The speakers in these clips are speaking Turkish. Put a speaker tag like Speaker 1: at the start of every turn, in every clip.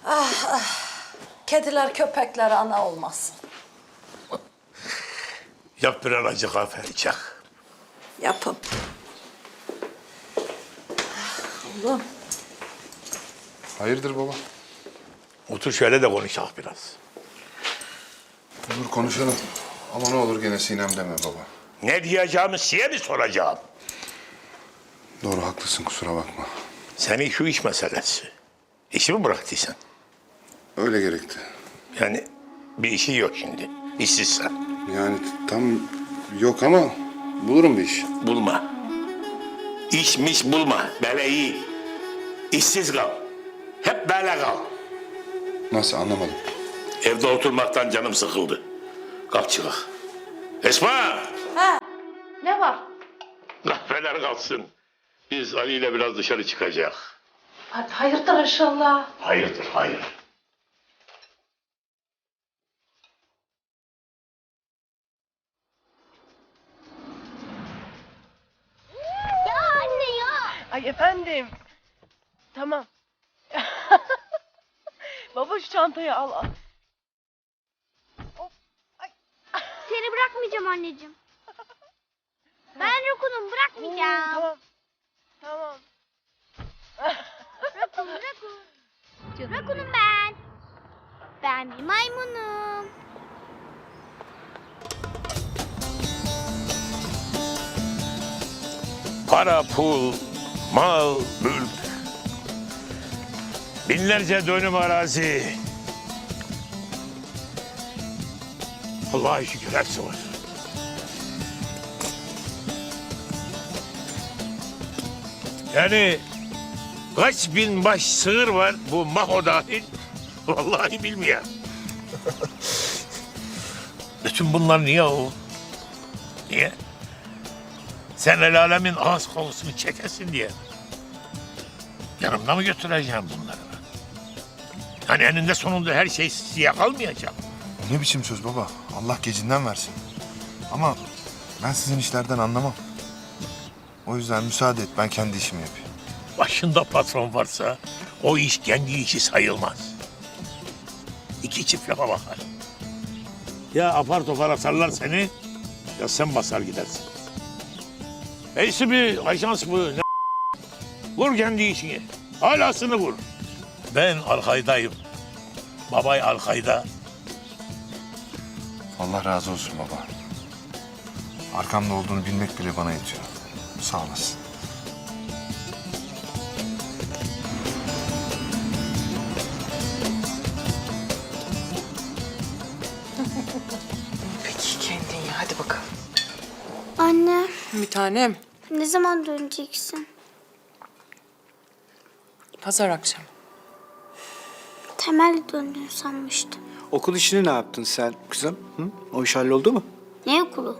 Speaker 1: Kediler köpekler ana olmasın.
Speaker 2: Yap bir acı kahve içecek.
Speaker 1: Yapın. Oğlum.
Speaker 3: Hayırdır baba?
Speaker 2: Otur şöyle de konuşalım biraz.
Speaker 3: Dur konuşalım. Ama ne olur gene Sinem deme baba.
Speaker 2: Ne diyeceğimi size mi soracağım?
Speaker 3: Doğru haklısın, kusura bakma.
Speaker 2: Senin şu iş meselesi. İşi mi bıraktıysan?
Speaker 3: Öyle gerekti.
Speaker 2: Yani bir işi yok şimdi. İşsizsen.
Speaker 3: Yani tam yok ama bulurum bir iş.
Speaker 2: Bulma. İşmiş bulma. Böyle iyi. İşsiz kal. Hep böyle kal.
Speaker 3: Nasıl, anlamadım.
Speaker 2: Evde oturmaktan canım sıkıldı. Kalk çıkak. Esma!
Speaker 1: Ha, ne var?
Speaker 2: Kahveler kalsın. Biz Ali ile biraz dışarı çıkacağız.
Speaker 1: Hadi hayırdır inşallah.
Speaker 2: Hayırdır, hayır.
Speaker 4: Ya anne ya.
Speaker 5: Ay efendim. Tamam. Baba şu çantayı al. Hop. Ay.
Speaker 4: Seni bırakmayacağım anneciğim. Ben Rakun'um, bırakmayacağım.
Speaker 5: Tamam. Tamam.
Speaker 4: Rakun. Rakun'um ben. Ben bir maymunum.
Speaker 2: Para, pul, mal, mülk. Binlerce dönüm arazi. Allah'a şükür hepsi var. Yani kaç bin baş sığır var bu Maho dahil? Vallahi bilmiyorum. Bütün bunlar niye o? Niye? Sen el alemin ağız kokusunu çekesin diye. Yanımda mı götüreceğim bunları ben? Yani eninde sonunda her şey size kalmayacak.
Speaker 3: Ne biçim söz baba? Allah gecinden versin. Ama ben sizin işlerden anlamam. O yüzden müsaade et, ben kendi işimi yapayım.
Speaker 2: Başında patron varsa o iş kendi işi sayılmaz. İki çift lafa bakar. Ya apar topar atarlar seni ya sen basar gidersin. Neyse bir ajans bu. Ne? Vur kendi işini. Halasını vur. Ben Alkayda'yım. Babay Alkayda.
Speaker 3: Allah razı olsun baba. Arkamda olduğunu bilmek bile bana yetiyor. Sağ olasın.
Speaker 5: Peki kendin ya, hadi bakalım.
Speaker 4: Anne,
Speaker 5: Bir tanem.
Speaker 4: ne zaman döneceksin?
Speaker 5: Pazar akşamı.
Speaker 4: Temel döndün sanmıştım.
Speaker 6: Okul işini ne yaptın sen kızım? Hı? O iş halloldu mu?
Speaker 4: Ne okulu?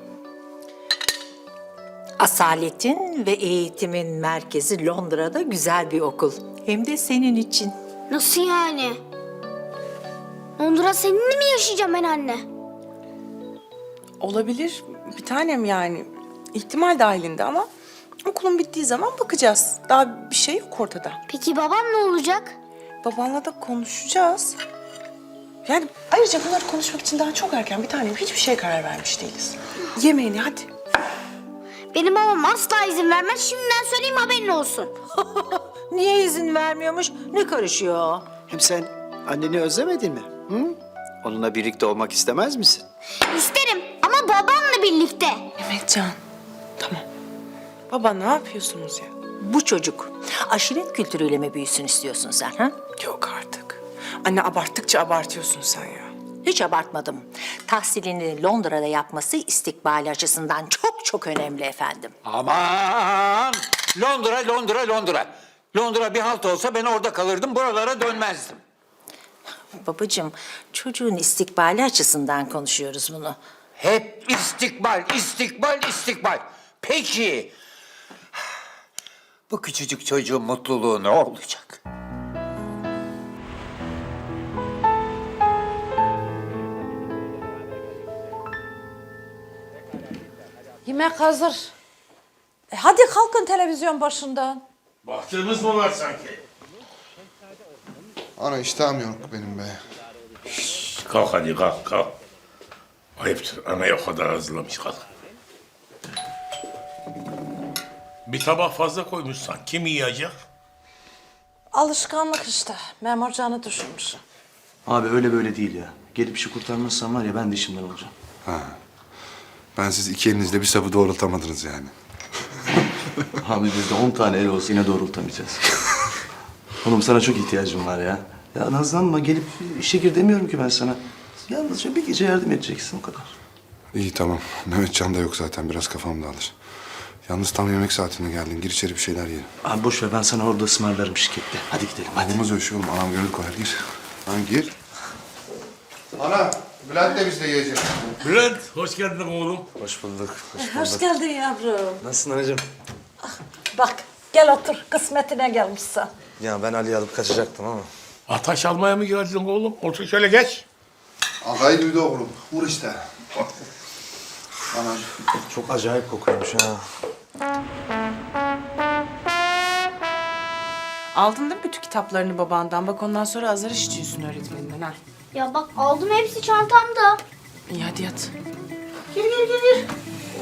Speaker 7: Asaletin ve eğitimin merkezi Londra'da güzel bir okul. Hem de senin için.
Speaker 4: Nasıl yani? Londra seninle mi yaşayacağım ben anne?
Speaker 5: Olabilir bir tanem yani. İhtimal dahilinde ama okulun bittiği zaman bakacağız. Daha bir şey yok ortada.
Speaker 4: Peki babam ne olacak?
Speaker 5: Babanla da konuşacağız. Yani ayrıca bunları konuşmak için daha çok erken bir tanem. Hiçbir şeye karar vermiş değiliz. Yemeğini hadi.
Speaker 4: Benim babam asla izin vermez. Şimdiden söyleyeyim, haberin olsun.
Speaker 7: Niye izin vermiyormuş? Ne karışıyor?
Speaker 6: Hem sen anneni özlemedin mi? Hı? Onunla birlikte olmak istemez misin?
Speaker 4: İsterim ama babamla birlikte.
Speaker 5: Mehmetcan. Tamam. Baba ne yapıyorsunuz ya?
Speaker 7: Bu çocuk aşiret kültürüyle mi büyüsün istiyorsun sen ha?
Speaker 5: Yok artık. Anne abarttıkça abartıyorsun sen ya.
Speaker 7: Hiç abartmadım. Tahsilini Londra'da yapması istikbali açısından çok çok önemli efendim.
Speaker 8: Aman! Londra, Londra, Londra. Londra bir halt olsa ben orada kalırdım, buralara dönmezdim.
Speaker 7: Babacığım, çocuğun istikbali açısından konuşuyoruz bunu.
Speaker 8: Hep istikbal, istikbal, istikbal. Peki, bu küçücük çocuğun mutluluğu ne olacak?
Speaker 1: Yemek hazır. Hadi kalkın televizyon başından.
Speaker 2: Baktığımız mı var sanki?
Speaker 3: Ana iştahım yok benim be.
Speaker 2: Kalk hadi kalk kalk. Ayıptır anaya o kadar hazırlamış kalk. Bir tabak fazla koymuşsan kim yiyecek?
Speaker 1: Alışkanlık işte. Memur canı düşürmüş.
Speaker 9: Abi öyle böyle değil ya. Gelip işi kurtarmazsan var ya ben de işimden olacağım.
Speaker 3: Ha. Ben siz iki elinizle bir sapı doğrultamadınız yani.
Speaker 9: Abi bizde 10 tane el olsa yine doğrultamayacağız. Oğlum sana çok ihtiyacım var ya. Ya nazlanma gelip işe gir demiyorum ki ben sana. Yalnızca bir gece yardım edeceksin o kadar.
Speaker 3: İyi tamam. Mehmetcan da yok zaten. Biraz kafam dağılır. Yalnız tam yemek saatine geldin. Gir içeri bir şeyler yiyelim.
Speaker 9: Abi boş ver ben sana orada ısmarlarım şirkette. Hadi gidelim hadi.
Speaker 3: Olmaz öyle şey oğlum. Anam gönül koyar. Gir. Lan gir. Ana, Bülent de bizle yiyecek.
Speaker 2: Bülent hoş geldin oğlum.
Speaker 9: Hoş bulduk.
Speaker 1: Hoş geldin yavrum.
Speaker 9: Nasılsın anacığım?
Speaker 1: Bak gel otur. Kısmetine gelmişsin.
Speaker 9: Ya ben Ali'yi alıp kaçacaktım ama.
Speaker 2: Ataş almaya mı geldin oğlum? Otur şöyle geç.
Speaker 3: Ağayı duydu oğlum. Vur işte. Ana.
Speaker 9: Çok acayip kokuyormuş ha.
Speaker 5: Aldın değil mi bütün kitaplarını babandan? Bak ondan sonra azar işitiyorsun öğretmeninden ha.
Speaker 4: Ya bak aldım hepsi çantamda.
Speaker 5: İyi hadi yat.
Speaker 4: Gir gir gir gir.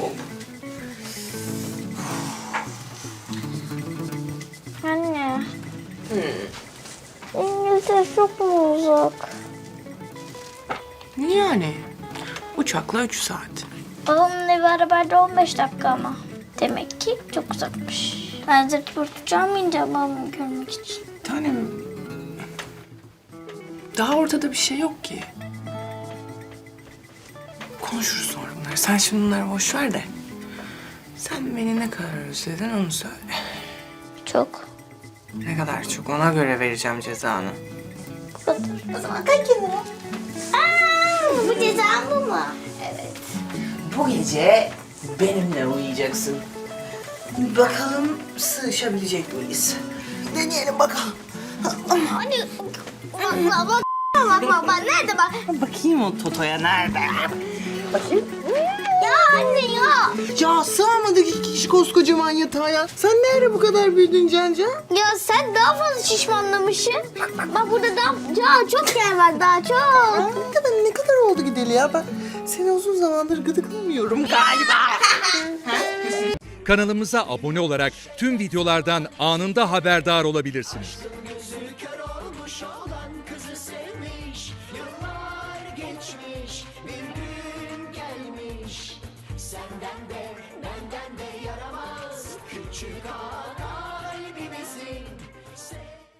Speaker 4: Anne. İngiltere çok mu uzak?
Speaker 5: Yani uçakla 3 saat.
Speaker 4: Babamın evi arabayla 15 dakika ama. Demek ki çok uzakmış. Ben zırt pırt uçamayınca babamı görmek için.
Speaker 5: Tanem. Daha ortada bir şey yok ki. Konuşuruz sonra bunları. Sen şimdi bunları boş ver de. Sen beni ne kadar özledin onu söyle.
Speaker 4: Çok.
Speaker 5: Ne kadar çok ona göre vereceğim cezanı.
Speaker 4: Bu kadar. O zaman kaç kenara? Aa, bu cezam bu mu? Evet.
Speaker 5: Bu gece benimle uyuyacaksın. Bakalım sığışabilecek miyiz? Deneyelim bakalım.
Speaker 4: Hadi. Bak. Nerede bak?
Speaker 5: Bakayım o Toto'ya nerede?
Speaker 4: Ya anne ya.
Speaker 5: Ya sığamadık iki kişi koskocaman yatağa ya. Sen nerede bu kadar büyüdün Cancan?
Speaker 4: Ya sen daha fazla şişmanlamışsın. Bak burada daha çok yer var daha çok.
Speaker 5: Ne kadar oldu gideli ya? Ben seni uzun zamandır gıdıklamıyorum galiba.
Speaker 10: Kanalımıza abone olarak tüm videolardan anında haberdar olabilirsiniz.
Speaker 11: Senden de benden de yaramaz küçük ağa.